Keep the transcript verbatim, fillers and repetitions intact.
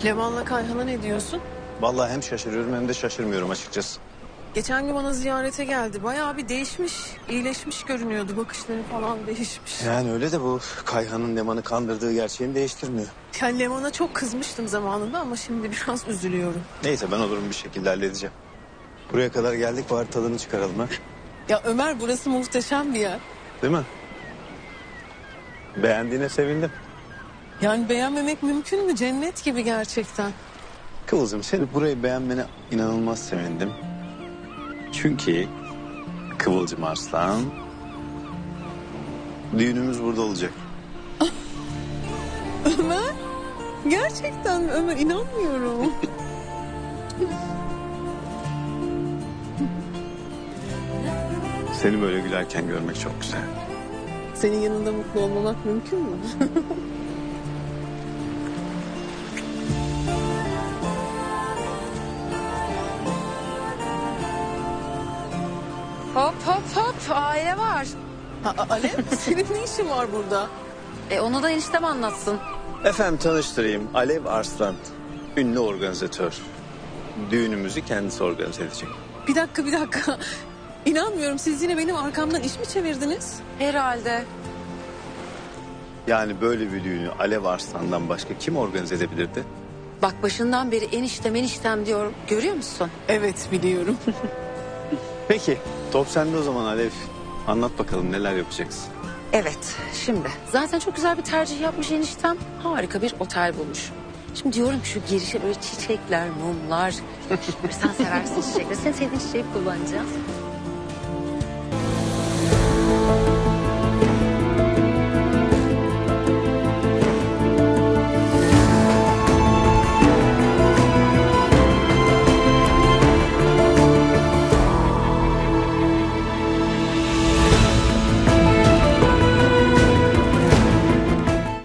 Levan'la Kayhan'a ne diyorsun? Vallahi hem şaşırıyorum hem de şaşırmıyorum açıkçası. Geçen gün bana ziyarete geldi. Bayağı bir değişmiş, iyileşmiş görünüyordu. Bakışları falan değişmiş. Yani öyle de bu Kayhan'ın Leman'ı kandırdığı gerçeğini değiştirmiyor. Ya Levan'a çok kızmıştım zamanında ama şimdi biraz üzülüyorum. Neyse ben o durumu bir şekilde halledeceğim. Buraya kadar geldik, bari tadını çıkaralım ha. Ya Ömer, burası muhteşem bir yer. Değil mi? Beğendiğine sevindim. Yani beğenmemek mümkün mü? Cennet gibi gerçekten. Kıvılcım, seni burayı beğenmene inanılmaz sevindim. Çünkü Kıvılcım Arslan, düğünümüz burada olacak. Ömer? Gerçekten mi Ömer? İnanmıyorum. Seni böyle gülerken görmek çok güzel. Senin yanında mutlu olmamak mümkün mü? Hop hop hop, aile var. Ha, Alev, senin ne işin var burada? E onu da eniştem anlatsın. Efendim tanıştırayım, Alev Arslan, ünlü organizatör. Düğünümüzü kendisi organize edecek. Bir dakika, bir dakika. İnanmıyorum, siz yine benim arkamdan iş mi çevirdiniz? Herhalde. Yani böyle bir düğünü Alev Arslan'dan başka kim organize edebilirdi? Bak başından beri eniştem eniştem diyorum. Görüyor musun? Evet, biliyorum. Peki, top sende o zaman Alev. Anlat bakalım neler yapacaksın? Evet, şimdi. Zaten çok güzel bir tercih yapmış eniştem. Harika bir otel bulmuş. Şimdi diyorum ki şu girişe böyle çiçekler, mumlar. Sen seversin çiçekleri. Sen sevdiğin çiçeği kullanacağız.